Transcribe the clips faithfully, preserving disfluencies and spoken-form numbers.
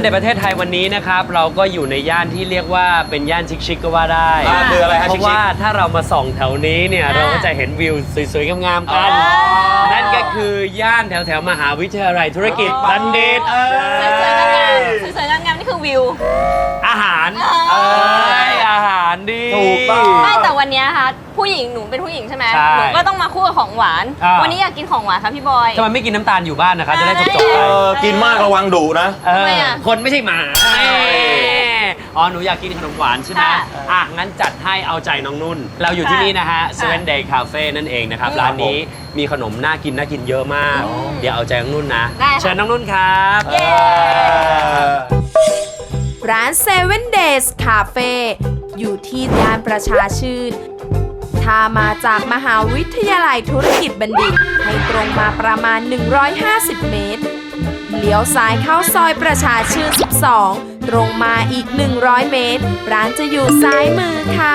ในประเทศไทยวันนี้นะครับเราก็อยู่ในย่านที่เรียกว่าเป็นย่านชิคๆก็ว่าได้คืออะไรฮะเพชิคราะว่าถ้าเรามาส่องแถวนี้เนี่ยเราก็จะเห็นวิวสวยๆงามๆกันนั่นก็คือย่านแถวๆมหาวิทยาลัยธุรกิจบัณฑิตสวยๆงามๆสวยๆงามๆนี่คือวิวอาหารเอออาหารดีถูกต้องไม่แต่วันนี้ค่ะผู้หญิงหนูเป็นผู้หญิงใช่ไหมใช่หนูก็ต้องมาคู่กับของหวานอ่าวันนี้อยากกินของหวานครับพี่บอยทำไมไม่กินน้ำตาลอยู่บ้านนะคะจะได้จบๆไปเออกินมากระวังดุนะเออทำไมอ่ะคนไม่ใช่หมาอ๋อหนูอยากกินขนมหวานใช่ไหมค่ะอ่ะงั้นจัดให้เอาใจน้องนุ่น เราอยู่ที่นี่นะฮะ Seven Day Cafe นั่นเองนะครับร้านนี้มีขนมน่ากินน่ากินเยอะมาก เดี๋ยวเอาใจน้องนุ่นนะได้ค่ะเชิญน้องนุ่นครับเย้ร้าน Seven Days Cafe อยู่ที่ย่านประชาชื่น ถ้ามาจากมหาวิทยาลัยธุรกิจบัณฑิตให้ตรงมาประมาณ หนึ่งร้อยห้าสิบ เมตร เลี้ยวซ้ายเข้าซอยประชาชื่น สิบสอง ตรงมาอีก หนึ่งร้อย เมตร ร้านจะอยู่ซ้ายมือค่ะ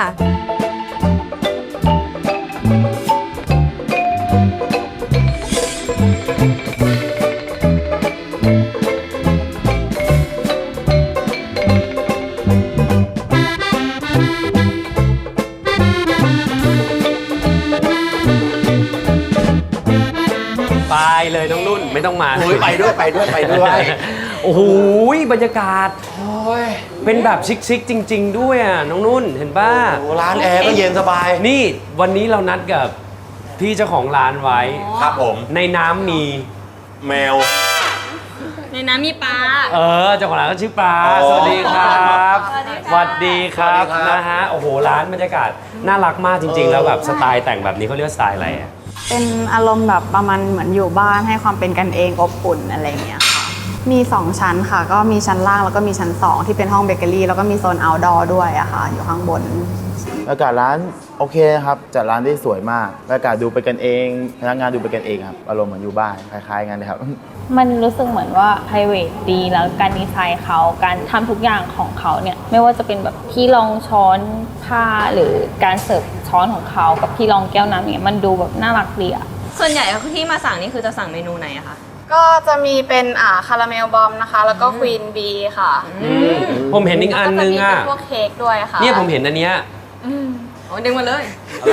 ไปเลยน้องนุ่นไม่ต้องมาโอ้ยไปด้วยไปด้วยไปด้วยโอ้โหบรรยากาศโอ้ยเป็นแบบชิคๆจริง ๆ ด้วยอ่ะน้องนุ่นเห็นป่ะโอ้ร้านแอร์ก็เย็นสบายนี่วันนี้เรานัดกับพี่เจ้าของร้านไว้ครับผมในน้ำมีแมวในน้ำมีปลาเออเจ้าของร้านก็ชื่อปลาอ๋อสวัสดีครับสวัสดีค่ะสวัสดีครับสวัสดีครับนะฮะโอ้โหร้านบรรยากาศน่ารักมากจริง ๆ แล้วแบบสไตล์แต่งแบบนี้เขาเรียกว่าสไตล์อะไรอ่ะเป็นอารมณ์แบบประมาณเหมือนอยู่บ้านให้ความเป็นกันเองอบอุ่นอะไรอย่างเงี้ยค่ะ มีสองชั้นค่ะ ก็มีชั้นล่างแล้วก็มีชั้นสองที่เป็นห้องเบเกอรี่แล้วก็มีโซน outdoor ด้วยอะค่ะ อยู่ข้างบนบรรยากาศร้านโอเคนะครับจัดร้านได้สวยมากบรรยากาศดูเป็นกันเองพนักงานดูเป็นกันเองครับอารมณ์เหมือนอยู่บ้านคล้ายๆกันนะครับมันรู้สึกเหมือนว่า private ดีแล้วการดีไซน์เขาการทำทุกอย่างของเขาเนี่ยไม่ว่าจะเป็นแบบที่รองช้อนผ้าหรือการเสิร์ฟช้อนของเขากับที่รองแก้วน้ำเนี่ยมันดูแบบน่ารักดีอะส่วนใหญ่ที่มาสั่งนี่คือจะสั่งเมนูไหนอะคะก็จะมีเป็นอ่าคาราเมลบอมนะคะ แล้วก็ควีนบีค่ะผมเห็นอีกอันนึงแล้วก็จะมีอ่ะเป็นพวกเค้กด้วยค่ะเนี่ยผมเห็นอันเนี้ยโอ้ดึงมาเลย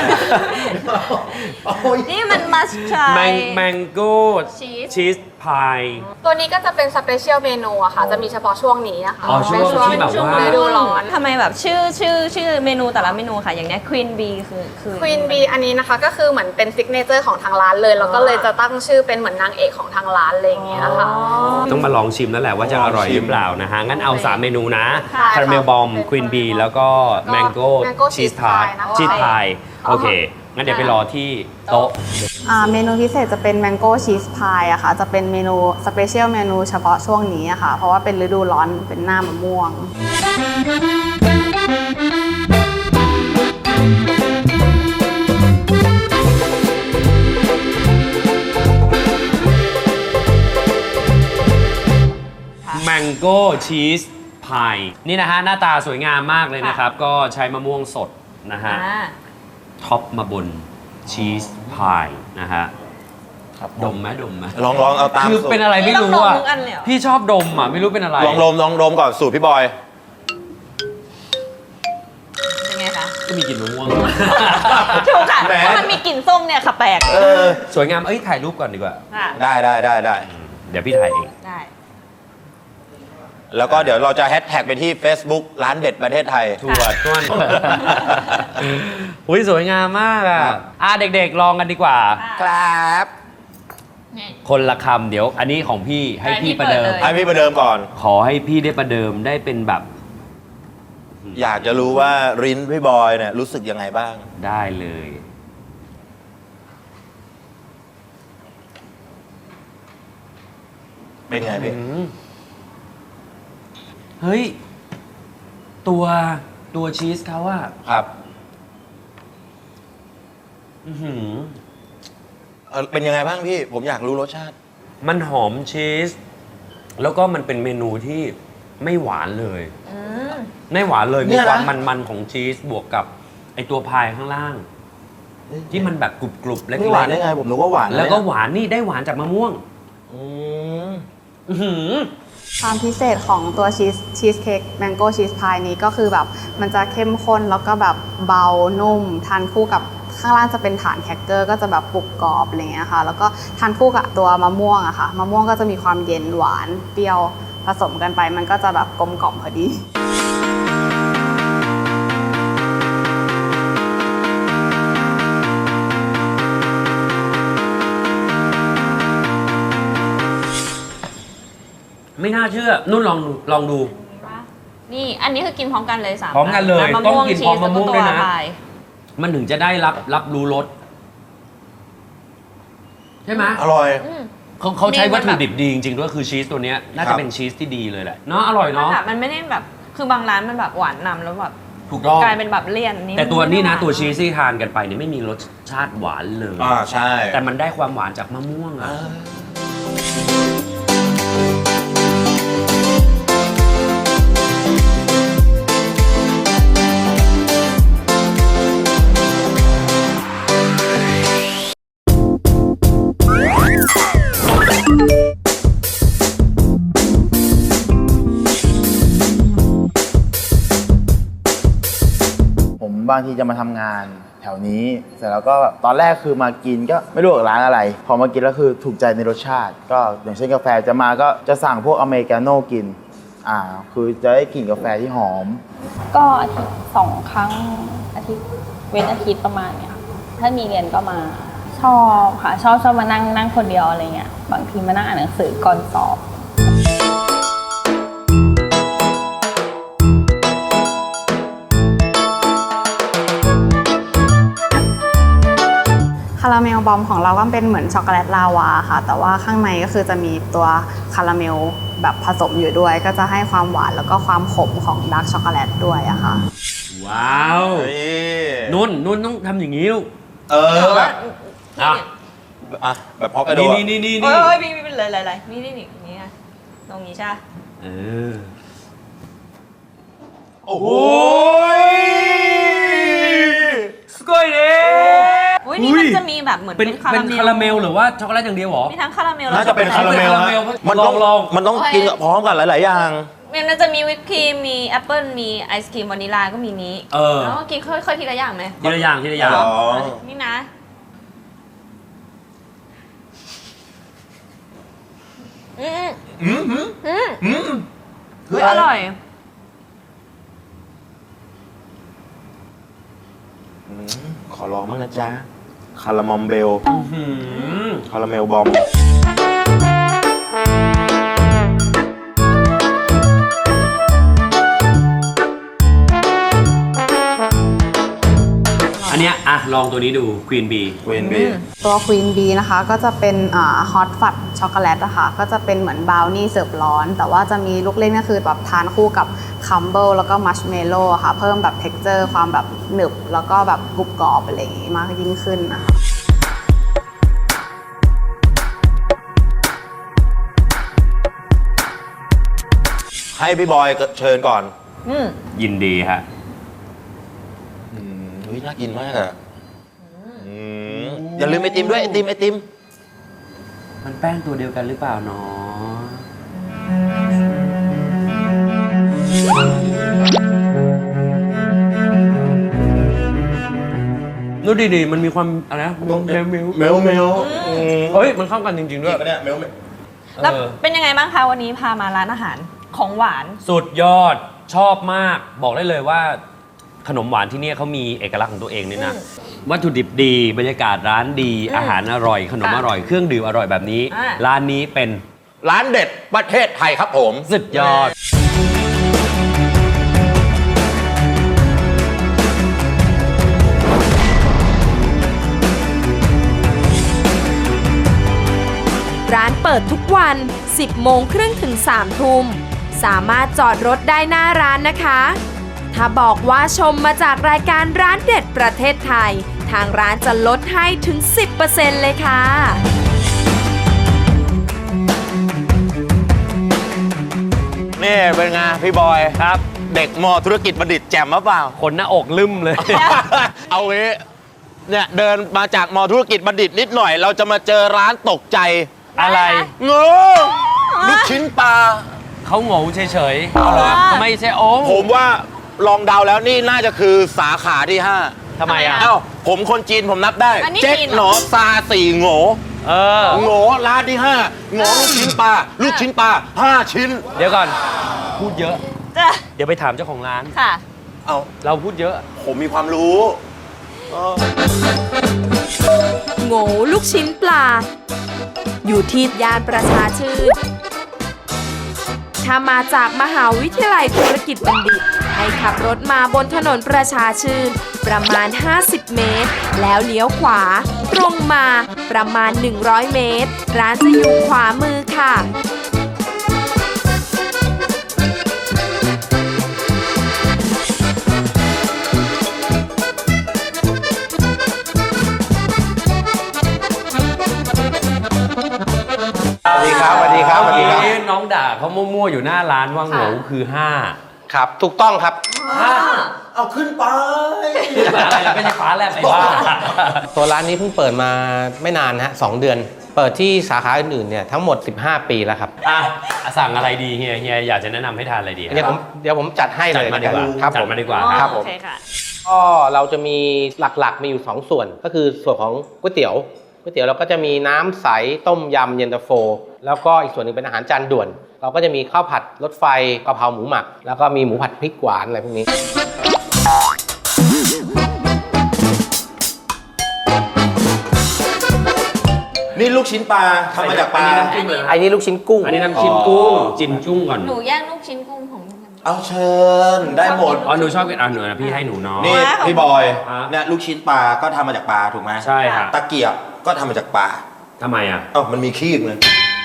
นี่มันมัสชาแมงแมงโก้ Cheese ชีสพายตัวนี้ก็จะเป็นสเปเชียลเมนูอะค่ะ จะมีเฉพาะช่วงนี้อะค่ะอ๋อช่วงเป็นช่วงที่แบบว่าฤดูร้อนทำไมแบบชื่อชื่อชื่อเมนูแต่ละเมนูค่ะ อย่างเนี้ย Queen Bee คือคือควีนบีอันนี้นะคะก็คือเหมือนเป็นซิกเนเจอร์ของทางร้านเลย แล้วก็เลยจะตั้งชื่อเป็นเหมือนนางเอกของทางร้านอะไรอย่างเงี้ยค่ะต้องมาลองชิมแล้วแหละว่าจะอร่อยหรือเปล่านะฮะ งั้นเอา สาม เมนูนะใช่ค่ะคาราเมลบอม ควีนบี แล้วก็แมงโก้ Mango ชีส Cheese ทาร์ต Pie นะคะชีสพายโอเค งั้นเดี๋ยวไปรอที่โต๊ะอ่าเมนูพิเศษจะเป็นแมงโก้ชีสพายอะค่ะ จะเป็นเมนูสเปเชียลเมนูเฉพาะช่วงนี้อะค่ะ เพราะว่าเป็นฤดูร้อนเป็นหน้ามะม่วงแมงโก้ชีสพายนี่นะฮะ หน้าตาสวยงามมากเลยนะครับ ก็ใช้มะม่วงสดนะฮะอ่าท็อปมาบนชีสพายนะฮะครับดมไหมดมไหมลองลองเอาตามคือสูตรเป็นอะไรไม่รู้นี่ต้องดอ่ะมทุกอันเลยเหรอพี่ชอบดมอ่ะ ไม่รู้เป็นอะไรลองดมลองดมก่อนสูตรพี่บอยเป็นไงคะก็มีกลิ่นมะม่วงถูกค่ะแหมเพราะมันมีกลิ่นส้มเนี่ยค่ะแปลกเออสวยงาม เอ้ย ถ่ายรูปก่อนดีกว่าค่ะได้ได้ได้ได้เดี๋ยวพี่ถ่ายเองได้แล้วก็เดี๋ยวเราจะแฮชแท็กไปที่ Facebook ร้านเด็ดประเทศไทยถั่วต้วนอุ้ยสวยงามมากอ่ะ อ่ะ เด็กๆ ลองกันดีกว่าครับคนละคำเดี๋ยว อันนี้ของพี่ให้ให้พี่พี่ประเดิมเปิดเลยให้พี่ประเดิมก่อนขอให้พี่ได้ประเดิมได้เป็นแบบอยากจะรู้ว่ารินพี่บอยเนี่ยรู้สึกยังไงบ้างได้เลยเป็นไงพี่อืมเฮ้ย ตัวตัวชีสเขาอะครับอื้อหือเอ่อเป็นยังไงบ้างพี่ ผมอยากรู้รสชาติมันหอมชีส แล้วก็มันเป็นเมนูที่ไม่หวานเลย ไม่หวานเลยเนี่มียนะความมันๆของชีสบวกกับไอตัวพายข้างล่าง ที่มันแบบกรุบๆเล็กไม่หวานได้ไง ผมนึกว่าหวานๆแล้วก็หวานนี่ได้หวานจากมะม่วงอืมอื้อหือความพิเศษของตัวชีสชีสเค้กแมงโก้ชีสพายนี้ก็คือแบบมันจะเข้มข้นแล้วก็แบบเบานุ่มทานคู่กับข้างล่างจะเป็นฐานแครกเกอร์ก็จะแบบกรุบกรอบอะไรเงี้ยค่ะแล้วก็ทานคู่กับตัวมะม่วงอะค่ะมะม่วงก็จะมีความเย็นหวานเปรี้ยวผสมกันไปมันก็จะแบบกลมกล่อมพอดีไม่น่าเชื่อ นุ่นลองดูลองดูนี่อันนี้คือกินพร้อมกันเลยสามพร้อมกันเลยมะต้องม่วงกินชีพร้อมสมะม่วงด้วยนะแล้ก็ตัวพายมันถึงจะได้รับรับรู้รสใช่ไหมอร่อยอืมเขาเขาใช้มีมัวัตนถุแบบดิบดีจริงๆด้วยคือชีสตัวเนี้ยน่าครัจะบเป็นชีสที่ดีเลยแหละเนาะอร่อยมันเนาะแบบมันไม่ได้แบบคือบางร้านมันแบบหวานนำแล้วแบบถูกต้องกลายเป็นแบบเลี่ยนนี่แต่ตัวนี้นะไม่ได้ตัวชีสที่ทานกันไปเนี่ยไม่มีรสชาติหวานเลยอ่าใช่แต่มันได้ความหวานจากมะม่วงอะผมบางทีจะมาทำงานแถวนี้เสร็จแล้วก็แบบตอนแรกคือมากินก็ไม่รู้ว่าร้านอะไร พอมากินแล้วคือถูกใจในรสชาติ ก็อย่างเช่นกาแฟจะมาก็จะสั่งพวกอเมริกาโน่กินอ่าคือจะได้กลิ่นกาแฟที่หอมก็อาทิตย์สองครั้งอาทิตย์เว้นอาทิตย์ประมาณเนี้ยค่ะถ้ามีเรียนก็มาชอบค่ะชอบชอบมานั่งนั่งคนเดียวอะไรเงี้ยบางทีมานั่งอ่านหนังสือก่อนสอบคาราเมลบอมของเราก็เป็นเหมือนช็อกโกแลตลาวาค่ะแต่ว่าข้างในก็คือจะมีตัวคาราเมลแบบผสมอยู่ด้วย ก็จะให้ความหวานแล้วก็ความขมของดาร์กช็อกโกแลตด้วยอะค่ะว้าวนี่นุ่นนุ่นต้องทำอย่างนี้ลูกเออแบบอ่ะอ่ะแบบพอกระโดนี่ดนี่นี่นี่โอ้นี่ยพี่พี่เลยเลยเลยนี่นี่นี่นี่ไงตรงนี้ใช่ปะเออโอ้โหสกอยเด้อุ้ยนี่มันจะมีแบบเหมือนเป็นเป็นคาเป็ราน เมลคาราเมลหรือว่าช็อกโกแลตอย่างเดียวเหรอมีทั้งคาราเมลน่าจะเป็นคาราเมลคาราเมลฮะมันต้องลองมันต้องกินกับพร้อมกันหลาย ๆ อย่างมันจะมีวิปครีมมีแอปเปิลมีไอศครีมวานิลาก็มีนี้เออแล้วก็กินค่อยๆทีละอย่างไหมทีละอย่างทีละอย่างอ๋อนี่นะอืมอืมอืมอืมอืมเฮ้ยอร่อยอืมขอลองบ้างนะจ๊ะ คาราเมลเบลหืมคาราเมลบอมอันเนี้ยอ่ะลองตัวนี้ดูควีนบีเวนบีตัวควีนบีนะคะก็จะเป็นฮอตฟัดช็อกโกแลตอะค่ะก็จะเป็นเหมือนบราวนี่เสิร์ฟร้อน แต่ว่าจะมีลูกเล่นก็คือแบบทานคู่กับคัมเบิลแล้วก็มัชเมลโล่ค่ะเพิ่มแบบเท็กเจอร์ความแบบหนึบแล้วก็แบบกรุบกรอบอะไรอย่างงี้มากยิ่งขึ้นนะคะให้พี่บอยเชิญก่อนอืมยินดีฮะอืมเฮ้ยน่ากินมากอ่ะอืมอย่าลืมไอติมด้วยไอติมไอติมมันแป้งตัวเดียวกันหรือเปล่าเนาะดูดีๆมันมีความอะไรนะเมลเมลเมลเมลเมลเฮ้ย มันเข้ากันจริงๆจด้ริวยงปะเนี่ยเมลเมลแล้วเออเป็นยังไงบ้างคะวันนี้พามาร้านอาหารของหวานสุดยอดชอบมาก บอกได้เลยว่าขนมหวานที่เนี่ยเขามีเอกลักษณ์ของตัวเองเนี่ยนะ วัตถุดิบดี บรรยากาศร้านดีอืมอาหารอร่อย ขนมค่ะอร่อย เครื่องดื่มอร่อยแบบนี้อ่าร้านนี้เป็นร้านเด็ดประเทศไทยครับผมสุดยอดร้านเปิดทุกวัน สิบโมงครึ่งถึง สามทุ่ม สามารถจอดรถได้หน้าร้านนะคะ ถ้าบอกว่าชมมาจากรายการร้านเด็ดประเทศไทย ทางร้านจะลดให้ถึง สิบเปอร์เซ็นต์ เลยค่ะนี่เป็นไงพี่บอยครับ เด็กมอธุรกิจบัณฑิตแจ่มหรือเปล่าคนหน้าอกลืมเลยเอางี้เนี่ยเดินมาจากมอธุรกิจบัณฑิตนิดหน่อย เราจะมาเจอร้านตกใจอะไรเงอลูกชิ้นปลาเขาโง่เฉยเอาเหรอๆไม่ใช่โอ้งผมว่าลองเดาแล้วนี่น่าจะคือสาขาที่ห้าทำไมอ่ะเอ้าผมคนจีนผมนับได้อันนี้เจ๊กจีนเหรอหนอซาสี่โง่เออโง่ร้านที่ห้าโง่ลูกชิ้นปลาลูกชิ้นปลาห้าชิ้นเดี๋ยวก่อน พูดเยอะจ้ะเดี๋ยวไปถามเจ้าของร้านค่ะเอาเราพูดเยอะผมมีความรู้เออโง่ลูกชิ้นปลา อยู่ที่ย่านประชาชื่น ถ้ามาจากมหาวิทยาลัยธุรกิจบัณฑิต ให้ขับรถมาบนถนนประชาชื่น ประมาณ ห้าสิบ เมตร แล้วเลี้ยวขวา ตรงมาประมาณ หนึ่งร้อย เมตร ร้านจะอยู่ขวามือค่ะสวัสดีครับ สวัสดีครับ สวัสดีครับเมื่อกี้น้องด่าเขามั่วๆอยู่หน้าร้านว่าโง่คือห้าครับ ถูกต้องครับเอาขึ้นไปอะไรล่ะไม่ใช่ฟ้าแลบไอ้บ้าตัวร้านนี้เพิ่งเปิดมาไม่นานฮะสองเดือน เปิดที่สาขาอื่นๆเนี่ยทั้งหมดสิบห้าปีแล้วครับอ่ะสั่งอะไรดีเฮียเฮียอยากจะแนะนำให้ทานอะไรดีเดี๋ยวผมเดี๋ยวผมจัดให้จัเลดยมาดีกว่าครับจัผดมมาดีกว่าครับผมโอเคค่ะก็เราจะมีหลักๆมีอยู่สองส่วน ก็คือส่วนของก๋วยเตี๋ยวก๋วยเตี๋ยวเราก็จะมีน้ำใสต้มยำเย็นตาโฟ แล้วก็อีกส่วนหนึ่งเป็นอาหารจานด่วน เราก็จะมีข้าวผัดรถไฟกะเพราหมูหมัก แล้วก็มีหมูผัดพริกหวานอะไรพวกนี้นี่ลูกชิ้นปลาทำมาจากปลาอันนี้น้ำจิ้มเลยไอ้นี่ลูกชิ้นกุ้งอันนี้น้ำจิ้มกุ้งจิ้มจุ้งก่อนหนูแย่งลูกชิ้นกุ้งของพี่กันเอาเชิญได้หมดอ๋อหนูชอบกินอ่ะหนูนะพี่ให้หนูเนาะนี่พี่บอยฮะเนี่ยลูกชิ้นปลาก็ทำมาจากปลาถูกไหมใช่ค่ะตะเกียบก็ทำมาจากปลาทำไมอ่ะเอ้ามันมีขี้เลย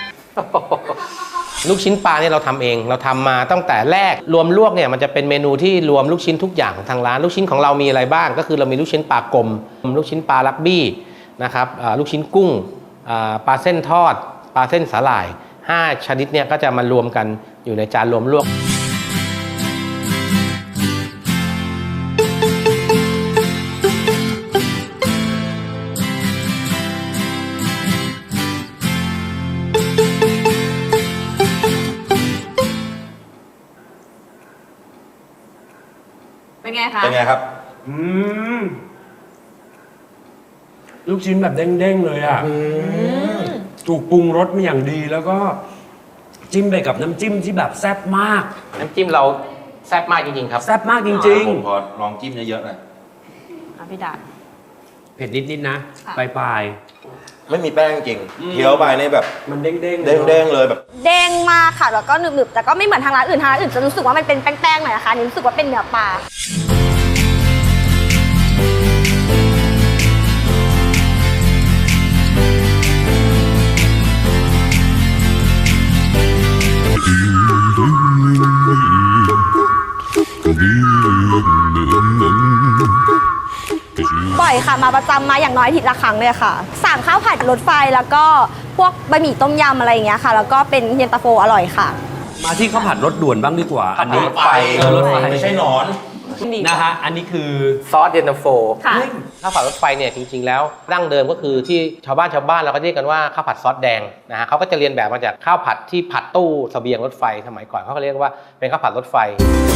ลูกชิ้นปลาเนี่ยเราทำเองเราทำมาตั้งแต่แรกรวมลวกเนี่ยมันจะเป็นเมนูที่รวมลูกชิ้นทุกอย่างของทางร้านลูกชิ้นของเรามีอะไรบ้าง ก็คือเรามีลูกชิ้นปลากลมลูกชิ้นปลาลักบี้นะครับอ่าลูกชิ้นกุ้งอ่าปลาเส้นทอด ปลาเส้นสาหร่ายห้าชนิดเนี่ยก็จะมารวมกันอยู่ในจานรวมลวกเป็นไงคะเป็นไงครับอืมลูกชิ้นแบบเด้งๆเลยอ่ะถูกปรุงรสมาอย่างดีแล้วก็จิ้มไปกับน้ำจิ้มที่แบบแซ่บมากน้ำจิ้มเราแซ่บมากจริงๆครับแซ่บมากจริงผมขอลองจิ้มเยอะๆหน่อยอ่ะพี่ดาๆ เผ็ดนิดๆนะค่ะปลายไม่มีแป้งจริงเคี้ยวไปในแบบๆมันเด้งๆเด้งๆเลยแบบเด้งมากค่ะ แล้วก็หนึบๆ แต่ก็ไม่เหมือนทางร้านอื่นทางร้านอื่นจะรู้สึกว่ามันเป็นแป้งๆหน่อยนะคะอันนี้รู้สึกว่าเป็นเนื้อปลา บ่อยค่ะ มาประจำมาอย่างน้อยอาทิตย์ละครั้งเลยค่ะ สั่งข้าวผัดรถไฟแล้วก็พวกบะหมี่ต้มยำอะไรอย่างเงี้ยค่ะ แล้วก็เป็นเย็นตาโฟอร่อยค่ะมาที่ข้าวผัดรสด่วนบ้างดีกว่า อันนี้รถไฟเออรถไฟไม่ใช่หนอนนะฮะอันนี้คือซอสเย็นตาโฟค่ะข้าวผัดรถไฟเนี่ยจริงๆแล้วดั้งเดิมก็คือที่ชาวบ้านชาวบ้านเราก็เรียกกันว่าข้าวผัดซอสแดงนะฮะเขาก็จะเรียนแบบมาจากข้าวผัดที่ผัดตู้เสบียงรถไฟสมัยก่อนเขาก็เรียกว่าเป็นข้าวผัดรถไฟ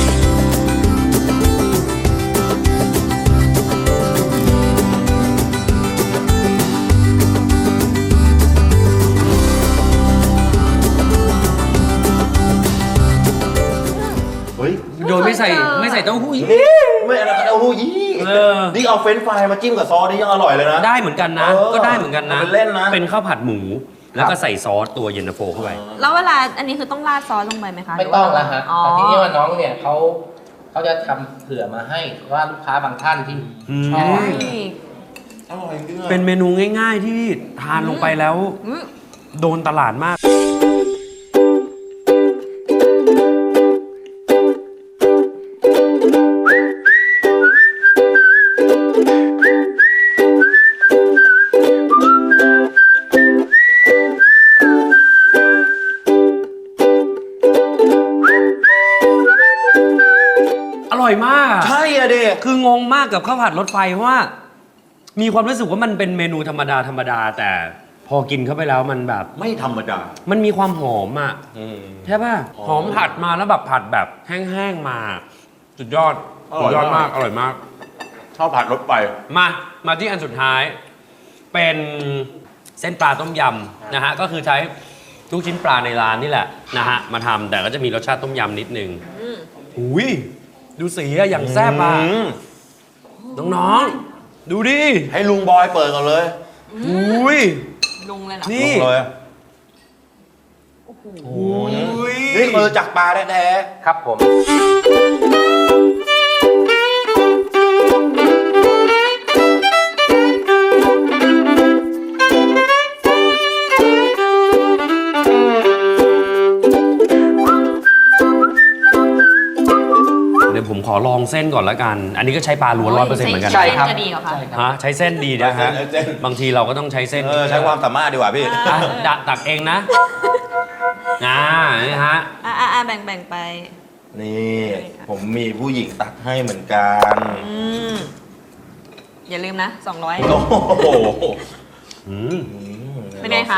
เฮ้ยโดยไม่ใส่ไม่ใส่เต้าหู้อีกไม่อะไรกันเอาหูยี่เออนี่เอาเฟรนช์ฟรายมาจิ้มกับซอสนี่ยังอร่อยเลยนะได้เหมือนกันนะเออก็ได้เหมือนกันนะเป็นเล่นนะเป็นข้าวผัดหมู แล้วก็ใส่ซอสตัวเย็นตาโฟเข้าไปแล้วเวลาอันนี้คือต้องราดซอสลงไปไหมคะไม่ต้องแล้วฮะอ๋อแต่ทีนี้ว่าน้องเนี่ยเขาเขาจะทำเผื่อมาให้ว่าลูกค้าบางท่านที่ชอบนี่อร่อยจริงอะเป็นเมนูง่าย ๆ ที่ทานลงไปแล้วอืมโดนตลาดมาก อร่อยมากใช่อะเด็คืองงมากกับข้าวผัดรถไฟเพราะว่า มีความรู้สึกว่ามันเป็นเมนูธรรมดาธรรมดาแต่พพอกินเข้าไปแล้วมันแบบไม่ธรรมดามันมีความหอมอ่ะอืมใช่ป่ะ หอมผัดมาแล้วแบบผัดแบบแห้งๆมา สุดยอดอร่สุอยดยอดมามาก ก อร่อยมากชอบผัดรสไฟมา มาที่อันสุดท้าย เป็นเส้นปลาต้มยำนะฮะ ก็คือใช้ลูกชิ้นปลาในร้านนี่แหละนะฮะ มาทำแต่ก็จะมีรสชาติต้มยำนิดนึงอุ้ยดูสีอะอย่างแซ่บอ่ะอืมน้องๆ ดูดิให้ลุงบอยเปิดก่อนเลยอุ้ยลุงเลยเหรอนี่ลุงเลยนี่คือจากปลาแท้ครับผมเดี๋ยวผมขอลองเส้นก่อนละกัน อันนี้ก็ใใช้ปลาล้วนร้อยเปอร์เซ็นต์เหมือนกันใช่ครับจะดีเหรอคะฮะใช้เส้นดีนะฮะ บางทีเราก็ต้องใช้เส้นๆเออใช้ความสามารถดีกว่าพี่อ่ะดะตักเองนะอ่านี่ฮะอ่าอ่าแบ่งแบ่งไปนี่ ผมมีผู้หญิงตักให้เหมือนกันอืมอย่าลืมนะสองร้อยโอ้โหอืมเป็นไงคะ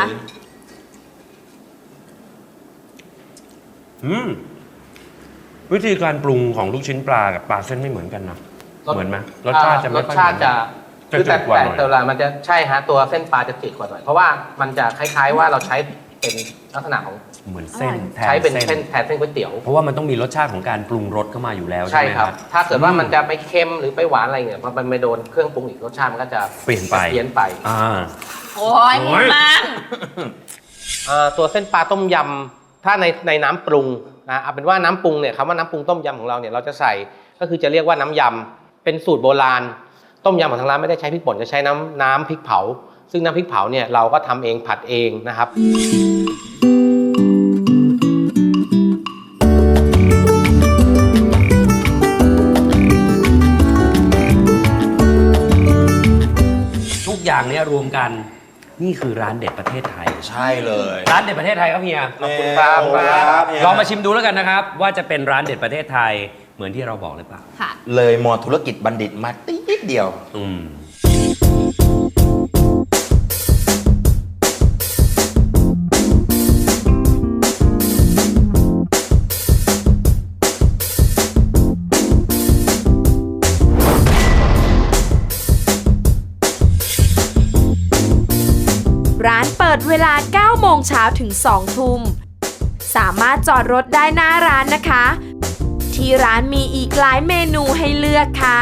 อืมวิธีการปรุงของลูกชิ้นปลากับปลาเส้นไม่เหมือนกันนะ เหมือนไหมรสชาติจะไม่รสค่อยชาติจะจะคือแต่จืดกว่าแต่หน่อยแต่ละมันจะใช่ฮะตัวเส้นปลาจะจืดกว่าหน่อยเพราะว่ามันจะคล้ายๆว่าเราใช้เป็นลักษณะของเหมือนเส้นแทนใช้เป็นเส้เส้นนแทนเส้นก๋วยเตี๋ยวเพราะว่ามันต้องมีรสชาติของการปรุงรสเข้ามาอยู่แล้วใช่ใช่ไหมคครัรับ บถ้าเกิดว่ามันจะไปเค็มหรือไปหวานอะไรเนี่ยพอมันไปโดนเครื่องปรุงอีกรสชาติมันก็จะเปลี่ยนไปเปลี่ยนไปอ่าโอ้ยหมดมันเอ่อตัวเส้นปลาต้มยำถ้าในในน้ำปรุงนะเอาเป็นว่าน้ำปรุงเนี่ยคำว่าน้ำปรุงต้มยำของเราเนี่ยเราจะใส่ก็คือจะเรียกว่าน้ำยำเป็นสูตรโบราณต้มยำของทางร้านไม่ได้ใช้พริกป่นจะใช้น้ำน้ำพริกเผา ซึ่งน้ำพริกเผาเนี่ยเราก็ทำเองผัดเองนะครับทุกอย่างเนี้ยรวมกันนี่คือร้านเด็ดประเทศไทยใช่เลยร้านเด็ดประเทศไทยครับเฮียขอบคุณครับขอบคุณครับเฮียลองมาชิมดูแล้วกันนะครับ ว่าจะเป็นร้านเด็ดประเทศไทยเหมือนที่เราบอกหรือเปล่าค่ะเลยมอธุรกิจบัณฑิตมาติดเดียวอืมร้านเปิดเวลา เก้าโมงเช้าถึง สองทุ่ม สามารถจอดรถได้หน้าร้านนะคะ ที่ร้านมีอีกหลายเมนูให้เลือกค่ะ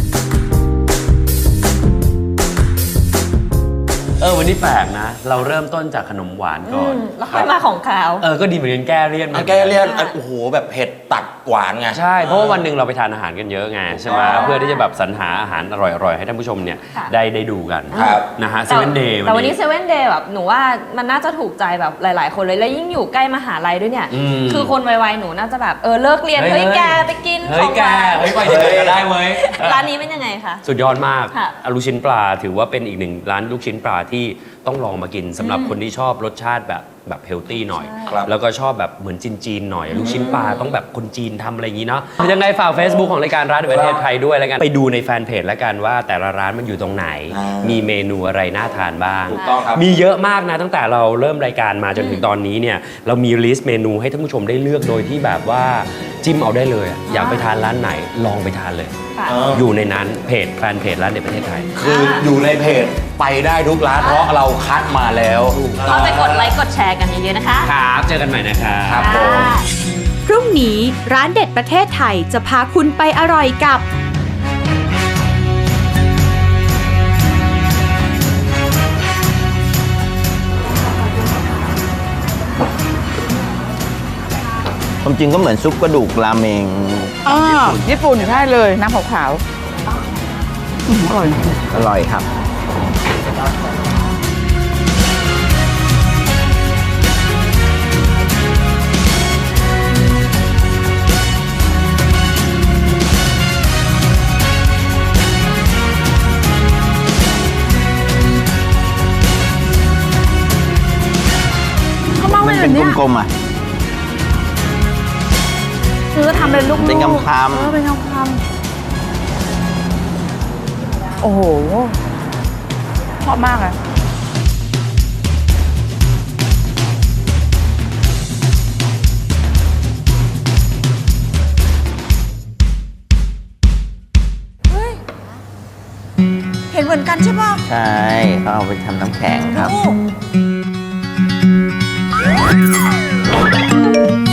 เออวันนี้แปลกนะ เราเริ่มต้นจากขนมหวานก่อนแล้วค่อยมาของขาวเออก็ดีเหมือนกันแก้เลี่ยนอันแกเรียกอันโอ้โหแบบเผ็ดตัดหวานไงใช่ เพราะว่าวันหนึ่งเราไปทานอาหารกันเยอะไงใช่ไหมเพื่อที่จะแบบสรรหาอาหารอร่อยๆ ให้ท่านผู้ชมเนี่ยค่ะได้ได้ดูกันครับนะฮะเซแต่เว่นเดย์แต่วันนี้เซเว่นเดย์แบบหนูว่ามันน่าจะถูกใจแบบหลาย ๆ คนเลย แล้วยิ่งอยู่ใกล้มหาลัยด้วยเนี่ยมคือคนวัยๆหนูน่าจะแบบเออเลิกเรียนเฮ้ยเฮ้ยเฮ้ยแกไปกินเฮ้ยแกของหวานเฮ้ยไปจะไปก็ได้เว้ยร้านนี้เป็นยังไงคะสุดยอดมากค่ะอลูกชิ้นปลาถือว่าเป็นอีกหนึ่งร้านลูกชิ้นปลาที่ต้องลองมากินสำหรับคนที่ชอบรสชาติแบบแบบเฮลตี้หน่อยครับแล้วก็ชอบแบบเหมือนจีนๆหน่อย ลูกชิ้นปลาต้องแบบคนจีนทำอะไรอย่างนี้เนาะยังไงฝาก Facebook ของรายการร้านในประเทศไทยด้วยแล้วกันไปดูในแฟนเพจแล้วกันว่าแต่ละร้านมันอยู่ตรงไหนอ่ามีมีเมนูอะไรน่าทานบ้างถูกต้องครับมีเยอะมากนะตั้งแต่เราเริ่มรายการมาจนถึงตอนนี้เนี่ยเรามีลิสต์เมนูให้ท่านผู้ชมได้เลือกโดยที่แบบว่าจิ้มเอาได้เลยอะอยากไปทานร้านไหนลองไปทานเลยค่ะเอออยู่ในนั้นเพจแฟนเพจร้านเด็ดประเทศไทยคืออยู่ในเพจไปได้ทุกร้านเพราะเราคัดมาแล้วก็ไปกดไลค์กดแชร์กันเยอะๆนะคะครับ เจอกันใหม่นะครับครับผมพรุ่งนี้ร้านเด็ดประเทศไทยจะพาคุณไปอร่อยกับความจริงก็เหมือนซุปกระดูกราเมงอ่าญี่ปุ่นใช่เลย น้ำขาวๆอืมอร่อยอร่อยครับเขาเมามันแบเป็นบเนี้ยกลมๆอ่ะคือทำเป็นลูกๆเป็นคำๆเออเป็นคำๆโอ้โหชอบมากเลยใช่ปะใช่เขาเอาไปทำน้ำแข็งครับโอ้